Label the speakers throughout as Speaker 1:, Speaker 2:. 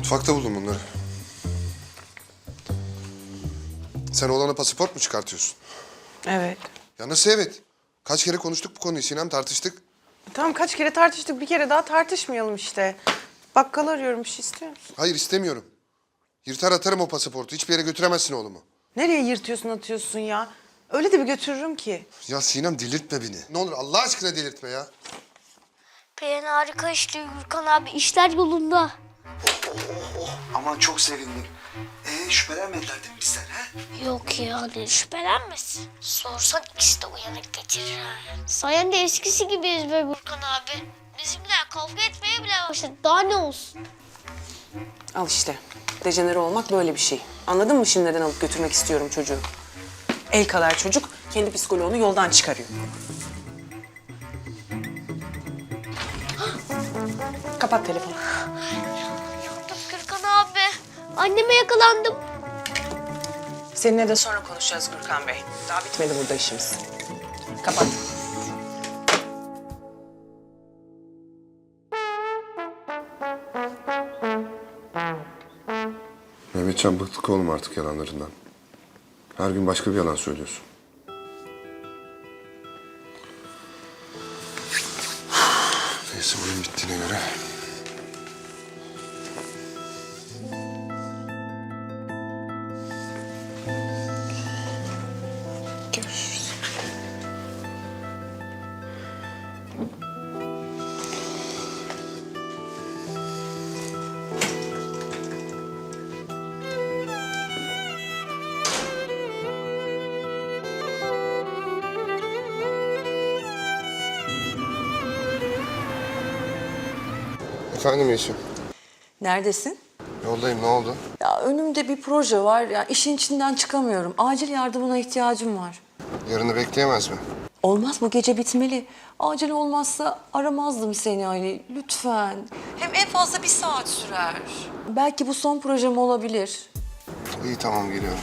Speaker 1: Mutfakta buldum bunları. Sen oğlana pasaport mu çıkartıyorsun?
Speaker 2: Evet.
Speaker 1: Ya nasıl evet? Kaç kere konuştuk bu konuyu Sinem, tartıştık.
Speaker 2: Tamam kaç kere tartıştık, bir kere daha tartışmayalım işte. Bakkal arıyorum, bir şey istiyor musun?
Speaker 1: Hayır istemiyorum. Yırtar atarım o pasaportu. Hiçbir yere götüremezsin oğlumu.
Speaker 2: Nereye yırtıyorsun atıyorsun ya? Öyle de bir götürürüm ki.
Speaker 1: Ya Sinem delirtme beni. Ne olur Allah aşkına delirtme ya.
Speaker 3: Plan harika işte Gürkan abi. İşler yolunda.
Speaker 4: Aman çok sevindim. Şüphelenmediler değil mi bizden ha?
Speaker 3: Yok ya ne şüphelenmesin. Sorsan ikisi de uyanık getirir ha. Sayende eskisi gibiyiz be Gürkan abi. Bizimkiler kavga etmeye bile başladı. Daha ne olsun?
Speaker 2: Al işte. Dejenere olmak böyle bir şey. Anladın mı şimdi neden alıp götürmek istiyorum çocuğu? El kadar çocuk kendi psikoloğunu yoldan çıkarıyor. Kapat telefonu.
Speaker 3: Yandım Gürkan abi. Anneme yakalandım.
Speaker 2: Seninle de sonra konuşacağız Gürkan Bey. Daha bitmedi burada işimiz. Kapat.
Speaker 1: Mehmetcan bıktık oğlum artık yalanlarından. Her gün başka bir yalan söylüyorsun. Neyse oyun bittiğine göre.
Speaker 2: Görüşürüz.
Speaker 1: Efendim Yeşim.
Speaker 5: Neredesin?
Speaker 1: Yoldayım, ne oldu?
Speaker 5: Ya önümde bir proje var. Ya işin içinden çıkamıyorum. Acil yardımına ihtiyacım var.
Speaker 1: Yarını bekleyemez mi?
Speaker 5: Olmaz, bu gece bitmeli. Acil olmazsa aramazdım seni Ali. Lütfen. Hem en fazla bir saat sürer. Belki bu son projem olabilir.
Speaker 1: İyi tamam geliyorum.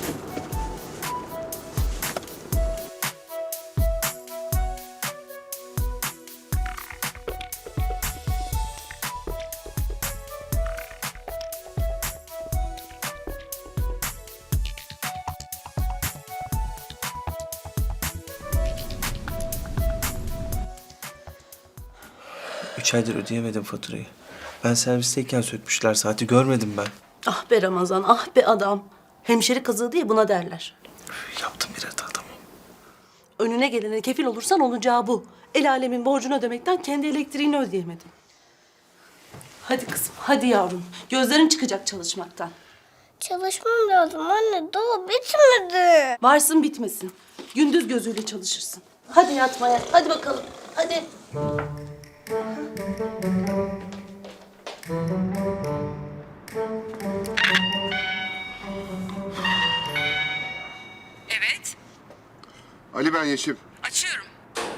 Speaker 6: Üç aydır ödeyemedim faturayı. Ben servisteyken sökmüşler saati, görmedim ben.
Speaker 7: Ah be Ramazan, ah be adam. Hemşeri kazığı diye buna derler.
Speaker 6: Yaptım bir hata, tamam.
Speaker 7: Önüne gelene kefil olursan olacağı bu. El alemin borcunu ödemekten kendi elektriğini ödeyemedin. Hadi kızım, hadi yavrum. Gözlerin çıkacak çalışmaktan.
Speaker 3: Çalışmam lazım anne. Daha bitmedi.
Speaker 7: Varsın bitmesin. Gündüz gözüyle çalışırsın. Hadi yatmaya, hadi bakalım. Hadi.
Speaker 2: Evet,
Speaker 1: Ali ben Yeşim.
Speaker 2: açıyorum.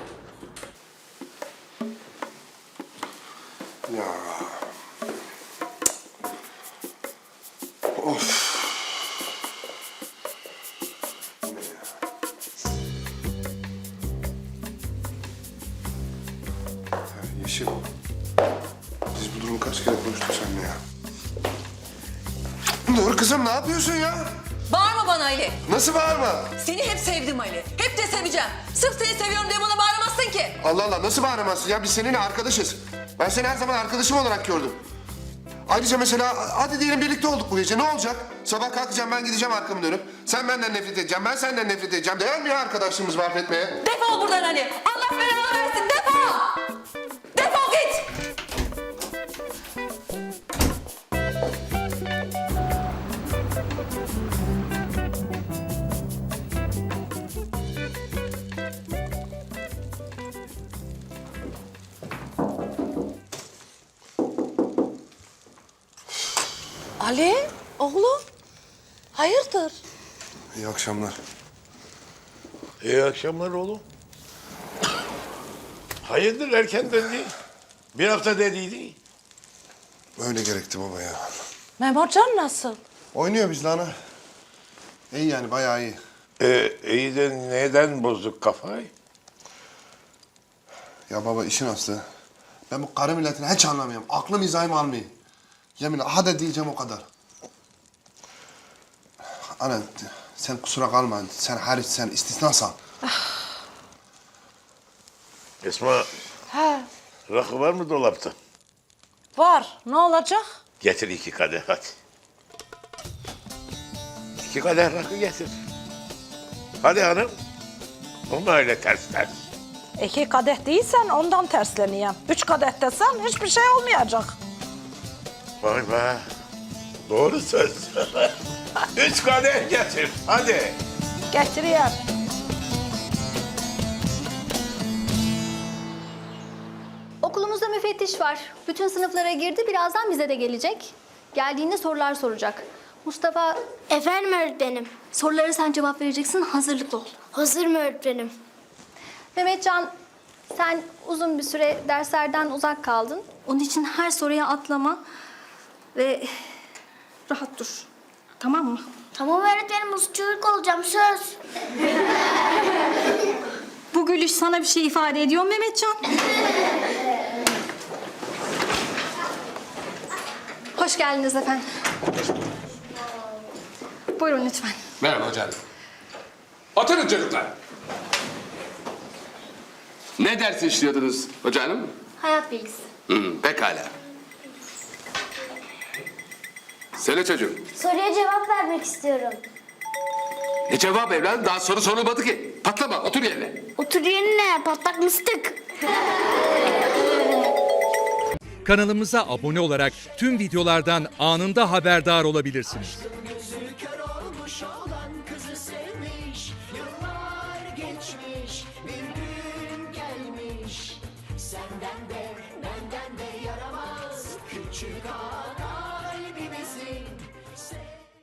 Speaker 1: Ya. Of. Bu ne ya? Ya Yeşim. Biz bu durumu kaç kere konuştuk seninle ya? Dur kızım ne yapıyorsun ya?
Speaker 5: Bağırma bana Ali.
Speaker 1: Nasıl bağırma?
Speaker 5: Seni hep sevdim Ali. Hep de seveceğim. Sırf seni seviyorum diye bana bağıramazsın ki.
Speaker 1: Allah Allah nasıl bağıramazsın ya? Biz seninle arkadaşız. Ben seni her zaman arkadaşım olarak gördüm. Ayrıca mesela hadi diyelim birlikte olduk bu gece. Ne olacak? Sabah kalkacağım ben gideceğim arkamı dönüp. Sen benden nefret edeceğim, ben senden nefret edeceğim. Değer mi ya arkadaşlığımızı mahvetmeye?
Speaker 5: Defol buradan Ali. Allah belanı versin. Defol. Defol git. Ali, oğlum. Hayırdır?
Speaker 1: İyi akşamlar.
Speaker 8: İyi akşamlar oğlum. Hayırdır erken döndü? Bir hafta dediydi.
Speaker 1: Öyle gerekti baba ya.
Speaker 5: Memurcan nasıl?
Speaker 1: Oynuyor bizle ana. İyi yani bayağı iyi.
Speaker 8: İyi de neden bozduk kafayı?
Speaker 1: Ya baba işin aslı. Ben bu karı milletini hiç anlamıyorum. Aklım izahım almıyor. Yeminle hadi diyeceğim o kadar. Ana sen kusura kalma. Sen hariç sen istisnasan.
Speaker 8: Esma,
Speaker 9: He,
Speaker 8: rakı var mı dolapta?
Speaker 9: var. Ne olacak?
Speaker 8: Getir 2 kadeh hadi. 2 kadeh rakı getir. Hadi hanım. Olma öyle ters ters.
Speaker 9: 2 kadeh değilsen ondan tersleneyim. 3 kadeh desen hiçbir şey olmayacak.
Speaker 8: Vay be. Doğru söz. 3 kadeh getir. Hadi.
Speaker 9: Getireyim.
Speaker 10: Okulumuzda müfettiş var. Bütün sınıflara girdi. Birazdan bize de gelecek. Geldiğinde sorular soracak. Mustafa,
Speaker 3: Efendim öğretmenim.
Speaker 10: sorulara sen cevap vereceksin. Hazırlıklı ol.
Speaker 3: Hazır mı öğretmenim?
Speaker 10: Mehmetcan, sen uzun bir süre derslerden uzak kaldın. Onun için her soruya atlama ve rahat dur. Tamam mı?
Speaker 3: Tamam öğretmenim, uslu çocuk olacağım, söz.
Speaker 10: Bu gülüş sana bir şey ifade ediyor mu Mehmetcan? Hoş geldiniz efendim. Buyurun lütfen.
Speaker 11: Merhaba hocam. Oturun çocuklar. Ne ders işliyordunuz hocam?
Speaker 10: Hayat bilgisi.
Speaker 11: Pekala. Söyle çocuğum.
Speaker 3: Soruya cevap vermek istiyorum.
Speaker 11: Ne cevap evladım? Daha soru sorulmadı ki. Patlama, otur yerine.
Speaker 3: Otur yerine, patlak mıstık.
Speaker 12: Kanalımıza abone olarak tüm videolardan anında haberdar olabilirsiniz.
Speaker 13: Senden de benden de yaramaz küçük ağa.